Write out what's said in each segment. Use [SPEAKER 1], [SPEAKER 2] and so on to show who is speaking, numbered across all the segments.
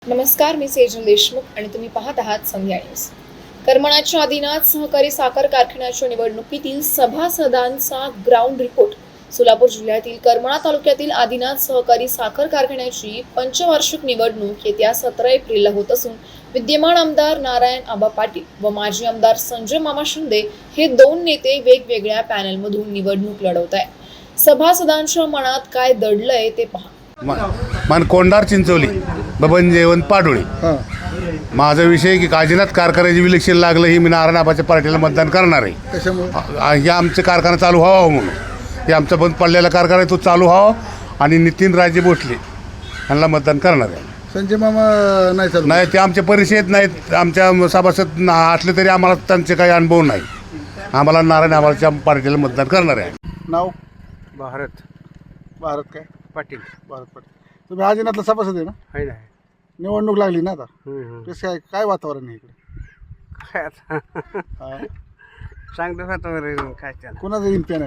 [SPEAKER 1] नमस्कार, मी सेजल देशमुख आणि तुम्ही पाहत आहात संध्या न्यूज. करमणाच्या आदिनाथ सहकारी साखर कारखान्याच्या निवडणुकीतील सभासदांचा ग्राउंड रिपोर्ट. सोलापूर जिल्ह्यातील करमणा तालुक्यातील आदिनाथ सहकारी साखर कारखान्याची पंचवार्षिक निवडणूक येत्या 17 एप्रिलला होत असून विद्यमान आमदार नारायण आबा पाटील व माजी आमदार संजय मामा शिंदे हे दोन नेते वेगवेगळ्या पॅनलमधून निवडणूक लढवत आहेत. सभासदांच्या मनात काय दडलंय ते पहा.
[SPEAKER 2] कोंडार चिंचोली बबन जयवंत पाडोळे. माझा विषय की काजीनाथ कारखान्याचे विलक्षण लागलं ही मी नारायण आबाच्या पार्टीला मतदान करणार आहे. हे आमचे कारखाना चालू व्हावा म्हणून. हे आमचा बंद पडलेला कारखाना आहे तो चालू व्हावा आणि नितीन राजे भोसले यांना मतदान करणार आहे.
[SPEAKER 3] संजय मामा नाही चालू
[SPEAKER 2] नाही, ते आमच्या परिचयात नाहीत, आमच्या सभासद असले तरी आम्हाला त्यांचे काही अनुभव नाही. आम्हाला नारायण आबाच्या पार्टीला मतदान करणार आहे.
[SPEAKER 3] नाव
[SPEAKER 4] भारत
[SPEAKER 3] भारत काय
[SPEAKER 4] पाटील
[SPEAKER 3] भारत पाटील. तुम्ही आजीनाथला सभासद आहे ना?
[SPEAKER 4] आहे ना.
[SPEAKER 3] निवडणूक लागली ना आता. कसं काय काय वातावरण आहे इकडे?
[SPEAKER 4] काय आता
[SPEAKER 3] हा.
[SPEAKER 4] चांगलं वातावरण काय त्याला.
[SPEAKER 3] कोणाचं येईल पॅनल?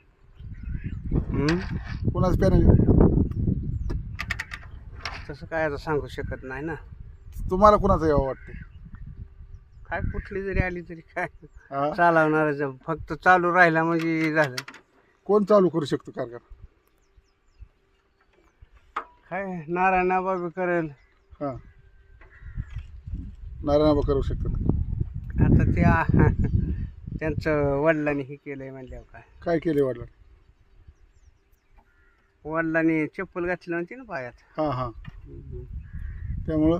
[SPEAKER 3] कोणाचं पॅनल?
[SPEAKER 4] तसं काय आता सांगू शकत नाही ना.
[SPEAKER 3] तुम्हाला कोणाचं यावं वाटते?
[SPEAKER 4] काय कुठली जरी आली तरी काय
[SPEAKER 3] हा.
[SPEAKER 4] चालवणार, फक्त चालू राहिला म्हणजे झालं.
[SPEAKER 3] कोण चालू करू शकतो कारखाना?
[SPEAKER 4] काय नारायण बाबी करेल
[SPEAKER 3] हां, नारायण करू शकतात.
[SPEAKER 4] आता ते त्यांचं वडिलांनी हे केलंय म्हणल्यावर काय.
[SPEAKER 3] काय केले वाटलं?
[SPEAKER 4] वडिलांनी चप्पल घातली नव्हती ना पायात.
[SPEAKER 3] हां हां, त्यामुळं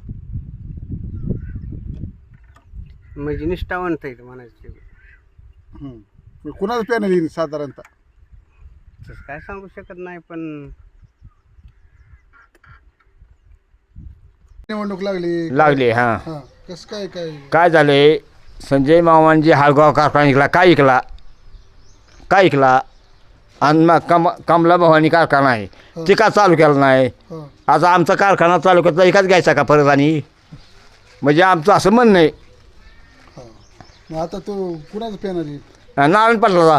[SPEAKER 4] म्हणजे निष्ठावंत आहे म्हणायचं.
[SPEAKER 3] कोणाचं पॅनल येईल साधारणतः?
[SPEAKER 4] तसं काय सांगू शकत नाही. पण
[SPEAKER 3] निवडणूक लागली
[SPEAKER 5] लागले. हां,
[SPEAKER 3] हां, कसं काय काय
[SPEAKER 5] काय झाले? संजय मामांजी हालगाव कारखाना ऐकला, काय ऐकला आणि मग कमला भवानी कारखाना आहे ते का चालू केला नाही?
[SPEAKER 3] हां
[SPEAKER 5] आता आमचा कारखाना चालू करता एकाच घ्यायचा का परत? आणि म्हणजे आमचं असं म्हणणं आहे.
[SPEAKER 3] हां, मग आता तो कुणाचं पॅनल येईल?
[SPEAKER 5] नारायण पाटलाचा.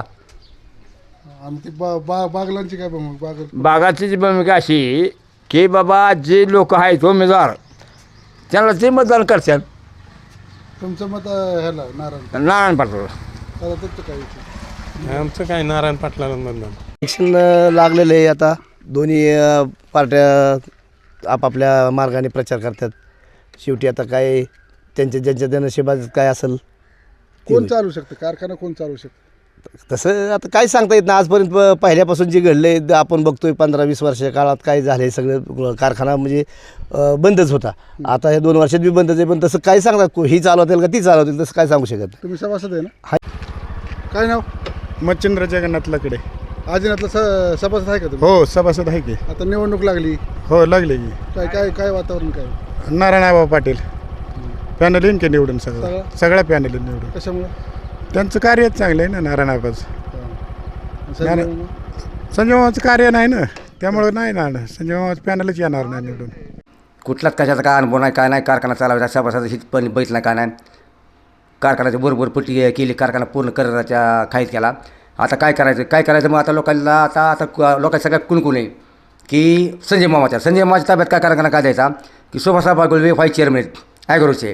[SPEAKER 3] आणि ते बागलांची काय बाग?
[SPEAKER 5] बागाची जी भूमिका अशी की बाबा जे लोक आहेत उमेदवार त्यांना ते मतदान करतात.
[SPEAKER 3] तुमचं मत ह्याला
[SPEAKER 5] नारायण पाटलाला.
[SPEAKER 3] आता त्याचं काय विषय?
[SPEAKER 6] आमचं काय नारायण पाटलाला मतदान.
[SPEAKER 7] इलेक्शन लागलेलं आहे. आता दोन्ही पार्ट्या आपापल्या मार्गाने प्रचार करतात. शेवटी आता काय ज्यांच्या नशिबात काय असेल
[SPEAKER 3] कोण चालू शकतं कारखाना? कोण चालू शकतं
[SPEAKER 7] तसं आता काय सांगता येत नाही. आजपर्यंत पहिल्यापासून जे घडले आपण बघतोय 15-20 वर्षाच्या काळात काय झाले. सगळं कारखाना म्हणजे बंदच होता. आता हे 2 वर्षात बी बंदच आहे. पण तसं काय सांगतात ही चालवतील का ती चालवतील तसं काय सांगू शकत नाही.
[SPEAKER 3] तुम्ही सभासद आहे ना? काय नाव?
[SPEAKER 2] मच्छिंद्र जगन्नाथ लकडे.
[SPEAKER 3] आजीनाथला सभासद आहे का तुम्ही?
[SPEAKER 2] हो, सभासद आहे की.
[SPEAKER 3] आता निवडणूक लागली,
[SPEAKER 2] हो, लागले की.
[SPEAKER 3] काय काय काय वातावरण काय?
[SPEAKER 2] नारायण आबा पाटील पॅनल येईन की निवडून. सगळ्या पॅनल निवडून.
[SPEAKER 3] कशामुळे?
[SPEAKER 2] त्यांचं कार्य चांगलं आहे ना नारायण आबाचं.
[SPEAKER 3] संजय
[SPEAKER 2] संजय मामाचं कार्य नाही ना, त्यामुळं नाही ना संजय मामाचं पॅनलच येणार नाही निवडून.
[SPEAKER 8] कुठलाच कशाचा काय अनुभव नाही, काय नाही. कारखाना चालवायचा सभासद हित पण बघितला काय नाही. कारखान्याची बरोबर पट्टी केली, कारखाना पूर्ण करायच्या खाईत केला. आता काय करायचं मग आता लोकांना आता लोकांना सगळ्यात कुणकुण आहे की संजय मामाच्या ताब्यात काय कारखाना काय द्यायचा की सुभाषराव बागुल व्हाईस चेअरमन आहेत ॲग्रोचे,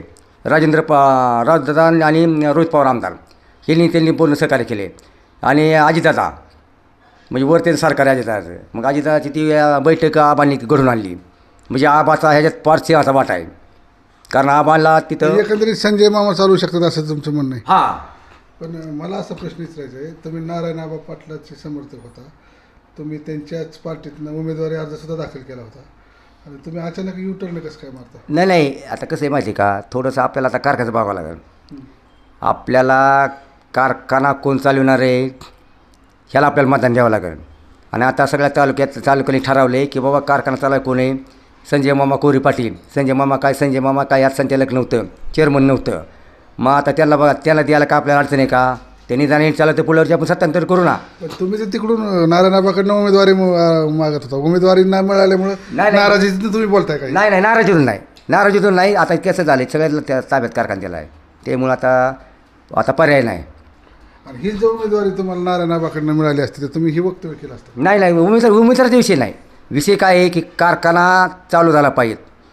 [SPEAKER 8] राजदादा आणि रोहित पवार आमदार त्यांनी पूर्ण सहकार्य केले. आणि अजितदादा म्हणजे वर त्यांचं सरकार आहे अजितदादाचं. मग अजितदादाची ती बैठक आबांनी घडून आणली. म्हणजे आबाचा ह्याच्यात फार सिंहाचा वाटा आहे. कारण आबाला तिथं
[SPEAKER 3] एकंदरीत संजय मामा चालू शकतात असं तुमचं म्हणणं आहे?
[SPEAKER 8] हां.
[SPEAKER 3] पण मला असा प्रश्न विचारायचा आहे, तुम्ही नारायण आबा पाटलाचे समर्थक होता, तुम्ही त्यांच्याच पार्टीतनं उमेदवारी अर्जसुद्धा दाखल केला होता आणि तुम्ही अचानक युटर्न कसं काय मारता?
[SPEAKER 8] नाही आता कसं आहे माहिती आहे का, थोडंसं आपल्याला आता कारखान्याचं बघावं लागेल. आपल्याला कारखाना कोण चालवणार आहे ह्याला आपल्याला मतदान द्यावं लागेल. आणि आता सगळ्या तालुक्याने ठरवले की बाबा कारखाना चालवाय कोण आहे? संजय मामा कोरी पाटील. संजय मामा काय यात संचालक नव्हतं, चेअरमन नव्हतं. मग आता त्याला बघा, त्याला द्यायला का आपल्याला अडचण आहे का? त्यांनी जाणे चाललं तर पुढल्यावरची आपण सत्तांतर करू ना.
[SPEAKER 3] पण तुम्ही तर तिकडून नारायण आबाकडनं उमेदवारी मागत होता, उमेदवारी नाही मिळाल्यामुळे नाराजीतून तुम्ही बोलताय काय?
[SPEAKER 8] नाही नाराजीतून नाही. आता कसं झालं सगळ्याला त्या ताब्यात कारखाना दिला आहे, त्यामुळं आता पर्याय नाही.
[SPEAKER 3] आणि ही जर उमेदवारी तुम्हाला नारायण आबाकडनं मिळाली असती तर तुम्ही ही वक्तव्य केलं असतं?
[SPEAKER 8] नाही उमेदवाराचा विषय नाही. विषय काय आहे की कारखाना चालू झाला पाहिजे.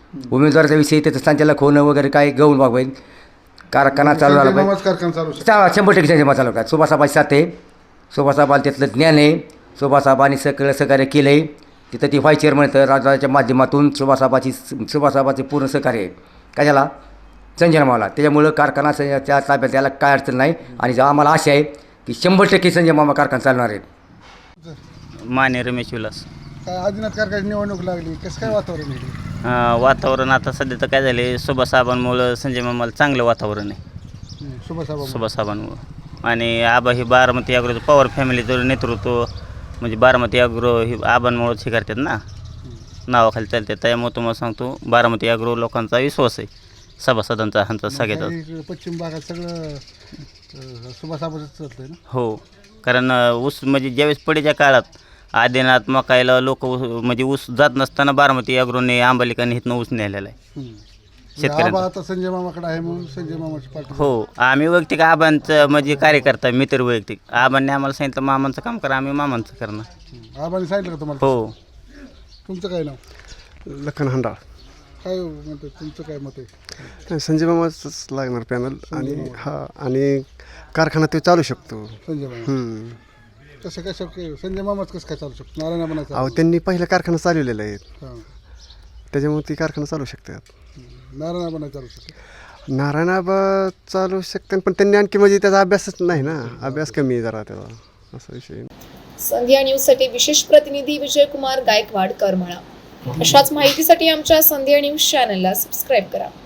[SPEAKER 8] उमेदवाराच्या विषयी त्याचं संचालक होणं वगैरे काय गौण बाबा कारखाना चालू झाला
[SPEAKER 3] संजय
[SPEAKER 8] पाहिजे
[SPEAKER 3] मामाच कारखाना चालू शकतो.
[SPEAKER 8] 100% संजय मामा चालू काय सुभाषाबाची साथ आहे. सुभाषाबाला त्यातलं ज्ञान आहे. सुभाषाबानी सगळं सहकार्य केलं आहे. तिथं ती व्हाईस चेअरमन तर राजाच्या माध्यमातून सुभाषाबाची पूर्ण सहकार्य आहे. कशाला संजय मामाला. त्याच्यामुळं कारखाना संजयच्या ताब्यात त्याला काय अडचण नाही. आणि आम्हाला आशा आहे की 100% संजय मामा कारखाना चालणार आहे.
[SPEAKER 9] माने रमेश विलास.
[SPEAKER 3] काय आदिनाथ कारखान्याची निवडणूक लागली, कसं काय वातावरण आहे?
[SPEAKER 9] वातावरण आता सध्या तर काय झाले सुभाषाबांमुळं संजय मामाला चांगलं वातावरण आहे.
[SPEAKER 3] सुभाषाबा
[SPEAKER 9] सुभाषाबांमुळं. आणि आबा ही बारामती अग्रोचं पवार फॅमिलीचं नेतृत्व म्हणजे बारामती अग्रो ही आबांमुळंच हे करतात ना, नावाखाली चालतात. त्यामुळे तुम्हाला सांगतो बारामती अग्रो लोकांचा विश्वास आहे सभासदांचा ह्यांचा सगळ्याचा.
[SPEAKER 3] काही पश्चिम भागात सगळं सुभाषाबाच चालतंय ना.
[SPEAKER 9] हो, कारण ऊस म्हणजे ज्यावेळेस पडीच्या काळात आदिनाथ मकायला लोक म्हणजे ऊस जात नसताना बारामती अग्रोने आंबालिकांनी इथनं ऊस नेलेला आहे शेतकऱ्यांना.
[SPEAKER 3] आबा आता संजय मामाकडे आहे म्हणून संजय मामाची पार्टी.
[SPEAKER 9] हो, आम्ही वैयक्तिक आबांचं म्हणजे कार्यकर्ता मित्र वैयक्तिक आबांनी आम्हाला सांगितलं मामांचं काम करा, आम्ही मामांचं करणार.
[SPEAKER 3] आबाने सांगितलं का तुम्हाला?
[SPEAKER 9] हो.
[SPEAKER 3] तुमचं काय नाव?
[SPEAKER 4] लखन हंडाळ.
[SPEAKER 3] काय म्हणते तुमचं काय मत आहे?
[SPEAKER 4] संजय मामाच लागणार पॅनल. आणि आणि कारखाना ते चालू शकतो.
[SPEAKER 3] संजय मामा कसं काय शक्य? संजय मामाच कसं काय चालू शकतो? नारायण बनायचं.
[SPEAKER 4] अहो त्यांनी पहिला कारखाना चालवलेला आहे,
[SPEAKER 3] हां,
[SPEAKER 4] त्याच्यामुळे ती कारखाना चालू शकतात.
[SPEAKER 3] नारायण बनायचं चालू शकतो.
[SPEAKER 4] नारायणाबा चालू शकते, पण त्यांनी आणखी म्हणजे त्याचा अभ्यासच नाही ना, अभ्यास कमी आहे जरा त्याचा, असा विषय.
[SPEAKER 1] संध्या न्यूजसाठी विशेष प्रतिनिधी विजयकुमार गायकवाड करमाळा. अशाच माहितीसाठी आमच्या संध्या न्यूज चॅनलला सबस्क्राईब करा.